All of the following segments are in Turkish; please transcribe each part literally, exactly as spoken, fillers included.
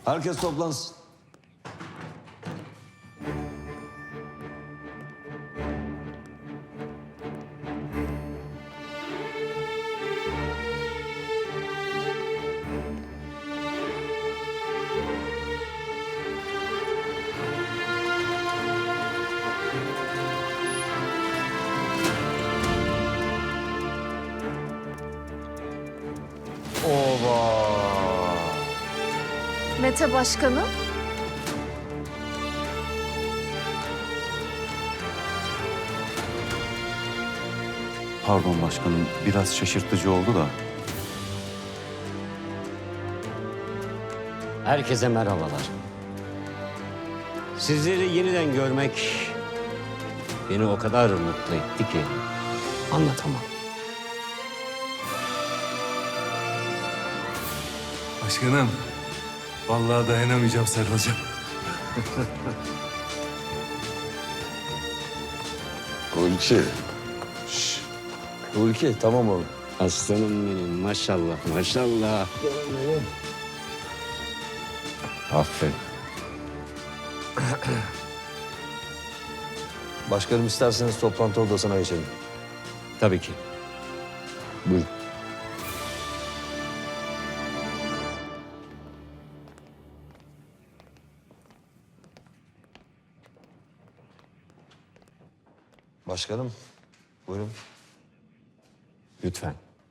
Herkes toplansın. Ova! Mete Başkanım. Pardon başkanım, biraz şaşırtıcı oldu da. Herkese merhabalar. Sizleri yeniden görmek beni o kadar mutlu etti ki anlatamam. Başkanım, vallahi dayanamayacağım, sarılacağım. Hulki. Şşş. Hulki, tamam oğlum. Aslanım benim, maşallah maşallah. Aferin. Başkanım isterseniz toplantı odasına geçelim. Tabii ki. Buyurun. Başkanım, buyurun. Lütfen.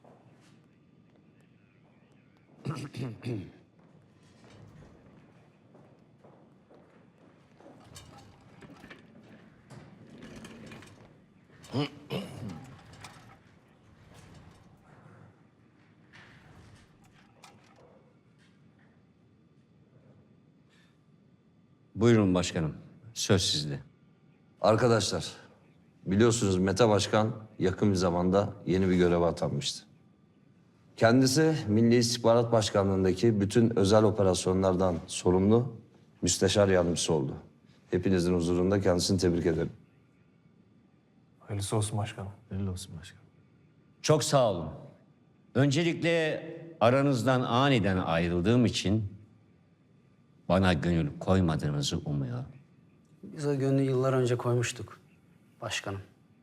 Buyurun başkanım. Söz sizde. Arkadaşlar, biliyorsunuz Mete Başkan yakın bir zamanda yeni bir göreve atanmıştı. Kendisi Milli İstihbarat Başkanlığı'ndaki bütün özel operasyonlardan sorumlu müsteşar yardımcısı oldu. Hepinizin huzurunda kendisini tebrik ederim. Hayırlısı olsun başkanım. Hayırlı olsun başkanım. Çok sağ olun. Öncelikle aranızdan aniden ayrıldığım için bana gönül koymadığınızı umuyorum. Biz o gönlü yıllar önce koymuştuk başkanım.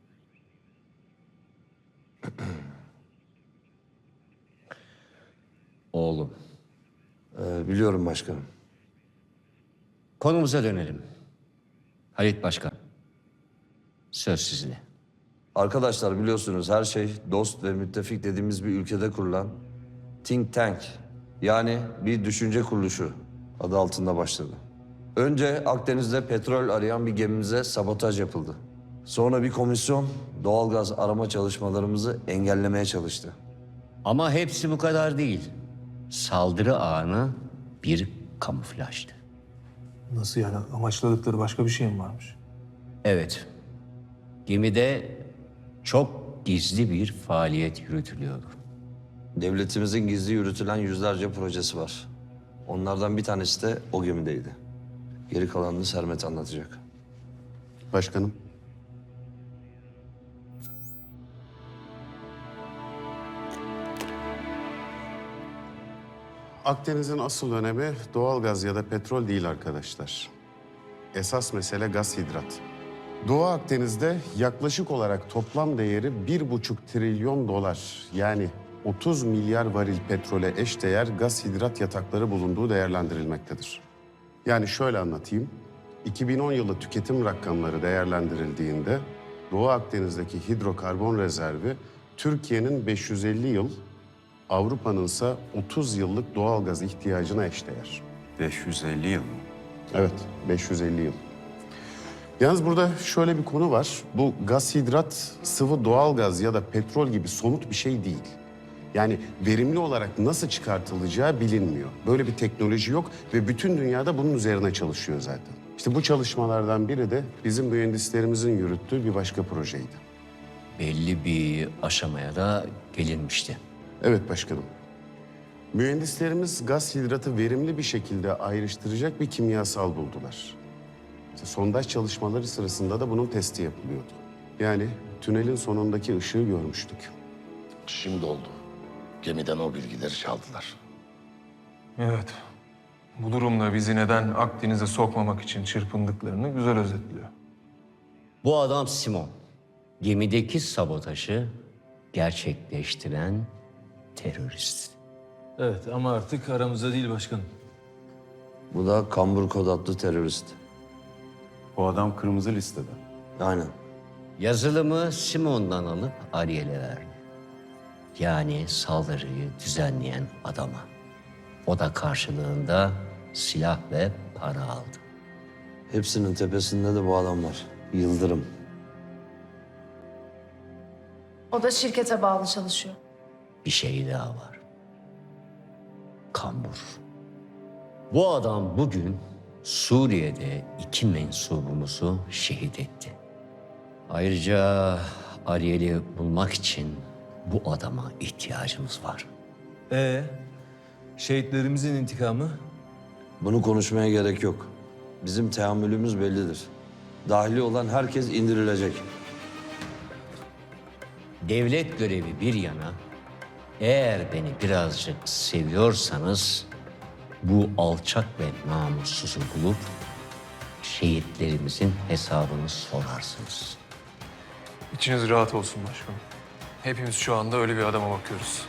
Oğlum. Ee, biliyorum başkanım. Konumuza dönelim. Halit Başkan. Söz sizde. Arkadaşlar biliyorsunuz her şey dost ve müttefik dediğimiz bir ülkede kurulan think tank, yani bir düşünce kuruluşu adı altında başladı. Önce Akdeniz'de petrol arayan bir gemimize sabotaj yapıldı. Sonra bir komisyon doğalgaz arama çalışmalarımızı engellemeye çalıştı. Ama hepsi bu kadar değil. Saldırı anı bir kamuflajdı. Nasıl yani? Amaçladıkları başka bir şey mi varmış? Evet. Gemide çok gizli bir faaliyet yürütülüyordu. Devletimizin gizli yürütülen yüzlerce projesi var. Onlardan bir tanesi de o gemideydi. Geri kalanını Sermet anlatacak. Başkanım. Akdeniz'in asıl önemi doğalgaz ya da petrol değil arkadaşlar. Esas mesele gaz hidrat. Doğu Akdeniz'de yaklaşık olarak toplam değeri bir buçuk trilyon dolar, yani otuz milyar varil petrole eşdeğer gaz hidrat yatakları bulunduğu değerlendirilmektedir. Yani şöyle anlatayım. iki bin on yılı tüketim rakamları değerlendirildiğinde Doğu Akdeniz'deki hidrokarbon rezervi Türkiye'nin beş yüz elli yıl, Avrupa'nın ise otuz yıllık doğalgaz ihtiyacına eşdeğer. beş yüz elli yıl mı? Evet, beş yüz elli yıl. Yalnız burada şöyle bir konu var. Bu gaz hidrat sıvı doğalgaz ya da petrol gibi somut bir şey değil. Yani verimli olarak nasıl çıkartılacağı bilinmiyor. Böyle bir teknoloji yok ve bütün dünyada bunun üzerine çalışıyor zaten. İşte bu çalışmalardan biri de bizim mühendislerimizin yürüttüğü bir başka projeydi. Belli bir aşamaya da gelinmişti. Evet başkanım. Mühendislerimiz gaz hidratı verimli bir şekilde ayrıştıracak bir kimyasal buldular. İşte sondaj çalışmaları sırasında da bunun testi yapılıyordu. Yani tünelin sonundaki ışığı görmüştük. Şimdi oldu. Gemiden o bilgileri çaldılar. Evet. Bu durumda bizi neden Akdeniz'e sokmamak için çırpındıklarını güzel özetliyor. Bu adam Simon. Gemideki sabotajı gerçekleştiren terörist. Evet ama artık aramızda değil başkanım. Bu da Kambur Kod adlı terörist. Bu adam kırmızı listede. Aynen. Yazılımı Simon'dan alıp Ariel'e verdi. Yani saldırıyı düzenleyen adama. O da karşılığında silah ve para aldı. Hepsinin tepesinde de bu adam var. Yıldırım. O da şirkete bağlı çalışıyor. Bir şey daha var. Kambur. Bu adam bugün Suriye'de iki mensubumuzu şehit etti. Ayrıca Ariel'i bulmak için bu adama ihtiyacımız var. Ee, şehitlerimizin intikamı? Bunu konuşmaya gerek yok. Bizim teamülümüz bellidir. Dahili olan herkes indirilecek. Devlet görevi bir yana, eğer beni birazcık seviyorsanız bu alçak ve namussuzu bulup şehitlerimizin hesabını sorarsınız. İçiniz rahat olsun başkanım. Hepimiz şu anda öyle bir adama bakıyoruz.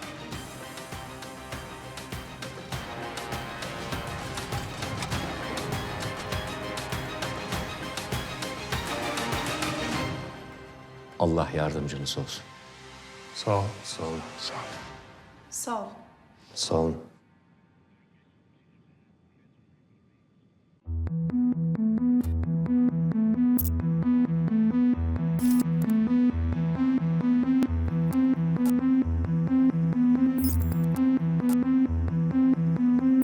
Allah yardımcınız olsun. Sağ ol. Sağ olun. Sağ ol. Sağ ol. Sağ olun.